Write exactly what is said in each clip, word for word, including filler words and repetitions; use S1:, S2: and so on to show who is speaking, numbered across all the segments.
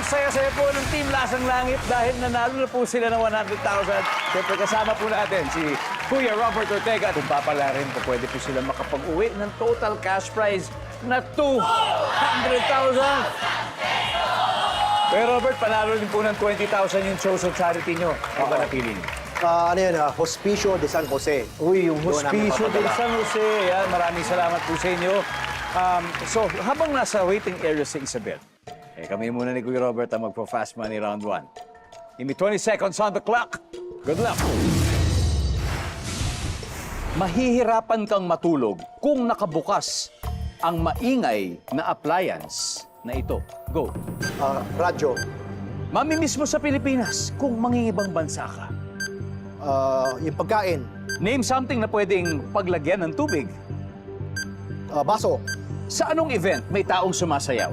S1: saya-saya po ng Team Lasang Langit dahil nanalo na po sila ng one hundred thousand. Siyempre kasama po natin si Kuya Robert Ortega. Kung papalarin po, pwede po sila makapag-uwi ng total cash prize na two hundred thousand. Kuya Robert, panalo din po ng twenty thousand yung chosen charity nyo. Ano ba napili niyo?
S2: Ah, ano yun, ah, Hospicio de San Jose.
S1: Uy, yung
S2: Doon namin
S1: Hospicio del
S2: papadala.
S1: San Jose. Yan, maraming salamat po sa inyo. Um, so, habang nasa waiting area si Isabel, eh, kami muna ni Kuya Robert ang magpo-fast money round one. Give me twenty seconds on the clock. Good luck. Mahihirapan kang matulog kung nakabukas ang maingay na appliance na ito. Go.
S2: Ah, radyo.
S1: Mamimiss mo sa Pilipinas kung mangingibang bansa ka.
S2: Ah, yung pagkain.
S1: Name something na pwedeng paglagyan ng tubig.
S2: Ah, baso.
S1: Sa anong event may taong sumasayaw?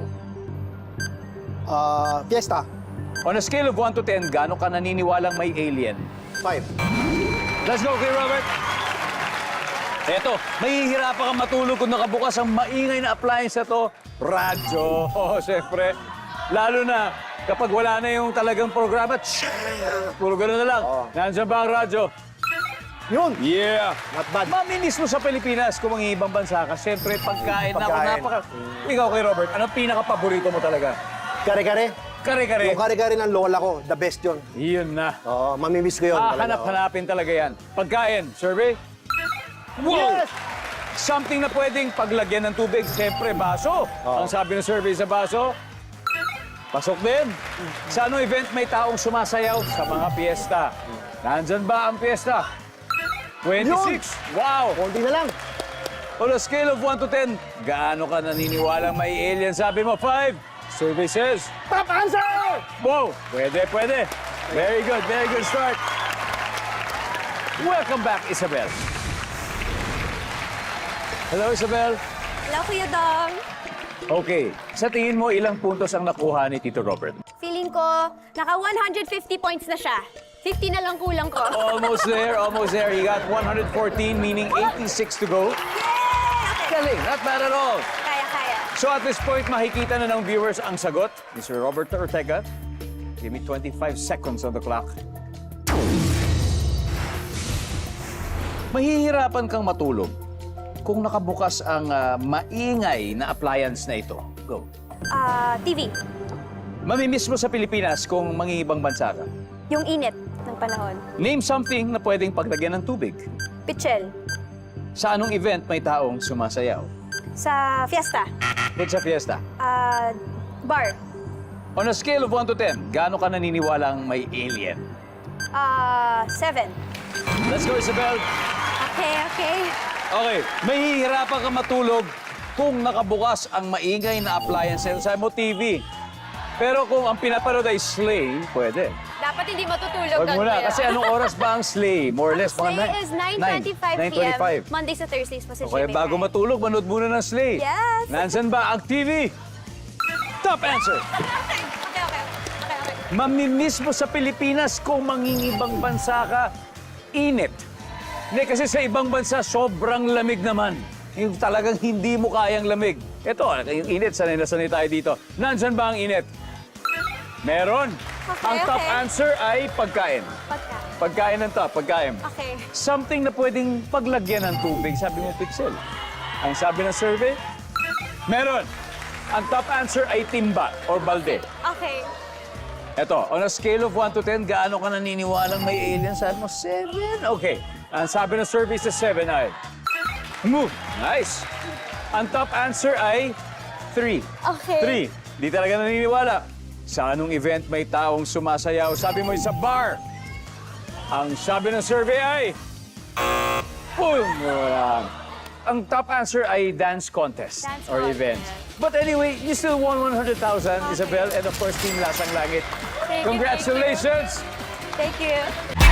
S2: Ah, fiesta.
S1: On a scale of one to ten, gaano ka naniniwalang may alien?
S2: Five.
S1: Let's go, kay Robert. Eto, mahihirapan kang matulog kung nakabukas ang maingay na appliance na to. Radyo. Oh, siyempre. Lalo na kapag wala na yung talagang programa. Tsh, puro ganun na lang.
S2: Oo.
S1: Nandiyan ba ang radyo?
S2: Yun.
S1: Yeah.
S2: Not bad.
S1: Maminis mo sa Pilipinas kung mga ibang bansa ka. Siyempre, pagkain, na ako
S2: Pagkain.
S1: napaka... Ikaw kay Robert, anong pinaka-paborito mo talaga?
S2: Kare-kare.
S1: Kare-kare.
S2: Yung kare-kare ng lola ko, the best yun.
S1: Yun na.
S2: Oo, mamimiss ko yun.
S1: Ah,
S2: talaga,
S1: hanap-hanapin talaga yan. Pagkain, survey? Wow!
S2: Yes!
S1: Something na pwedeng paglagyan ng tubig. Siyempre, baso.
S2: Oo.
S1: Ang sabi ng survey sa baso, pasok din. Sa anong event may taong sumasayaw? Sa mga piyesta. Nandyan ba ang piyesta? twenty-six. Wow!
S2: Konti na lang.
S1: On a scale of one to ten, gaano ka naniniwalang may alien? Sabi mo, five. Survey says,
S2: Top answer!
S1: wow! Pwede, pwede. Very good, very good start. Welcome back, Isabel. Hello, Isabel.
S3: Hello, Kuya Dong.
S1: Okay, sa tingin mo, ilang puntos ang nakuha ni Tito Robert?
S3: Feeling ko, naka one hundred fifty points na siya. fifty na lang kulang ko.
S1: Almost there, almost there. He got one hundred fourteen, meaning eighty-six to go.
S3: Yay! Okay.
S1: Galing, not bad at all.
S3: Kaya, kaya.
S1: So at this point, makikita na ng viewers ang sagot. Mister Robert Ortega, give me twenty-five seconds on the clock. Mahihirapan kang matulog kung nakabukas ang ah, maingay na appliance na ito. Go.
S3: Ah, T V.
S1: Mamimiss mo sa Pilipinas kung mangingibang bansa ka.
S3: Yung init ng panahon.
S1: Name something na pwedeng paglagyan ng tubig.
S3: Pichel.
S1: Sa anong event may taong sumasayaw?
S3: Sa fiesta.
S1: Ba't sa fiesta?
S3: Ah, bar.
S1: On a scale of one to ten, gaano ka naniniwalang may alien?
S3: Ah, seven.
S1: Let's go, Isabel.
S3: Okay, okay.
S1: Okay, mahihirapan ka matulog kung nakabukas ang maingay na appliance. Sabi mo, T V. Pero kung ang pinapanood ay Slay, pwede.
S3: Dapat hindi matutulog.
S1: Huwag muna,
S3: Kuya.
S1: kasi anong oras ba ang Slay? More or less, mga
S3: Slay
S1: nine-
S3: is nine twenty-five
S1: nine
S3: p m
S1: twenty-five.
S3: Mondays to Thursdays pa sa
S1: Okay,
S3: G M A
S1: bago
S3: five.
S1: matulog, manood muna ng Slay.
S3: Yes.
S1: Nansan ba ang T V? Top answer.
S3: Okay, okay, okay. Okay, okay.
S1: Mamimiss mo sa Pilipinas kung mangingibang bansa ka, init. Hindi, kasi sa ibang bansa, sobrang lamig naman. Yung talagang hindi mo kayang lamig. Ito, yung init, sanay na sanay tayo dito. Nandyan ba ang init? Meron.
S3: Okay,
S1: Ang top
S3: okay.
S1: answer ay pagkain.
S3: Pagka.
S1: Pagkain ng top, pagkain.
S3: Okay.
S1: Something na pwedeng paglagyan ng tubig, sabi mo, Pixel. Ang sabi ng survey, meron. Ang top answer ay timba or balde.
S3: Okay.
S1: Eto, on a scale of one to ten, gaano ka naniniwalang may alien? Sabi mo, seven. Okay. Ang sabi ng survey sa seven ay, move. Nice. Ang top answer ay three.
S3: Okay.
S1: three. Di talaga naniniwala. Sa anong event may taong sumasayaw? Sabi mo, sa bar. Ang sabi ng survey ay, boom. Wala. Ang top answer ay dance contest
S3: Dance
S1: or
S3: contest.
S1: event. But anyway, you still won one hundred thousand, Isabel, and of course, Team Lasang Langit.
S3: Thank you,
S1: Congratulations!
S3: Thank you.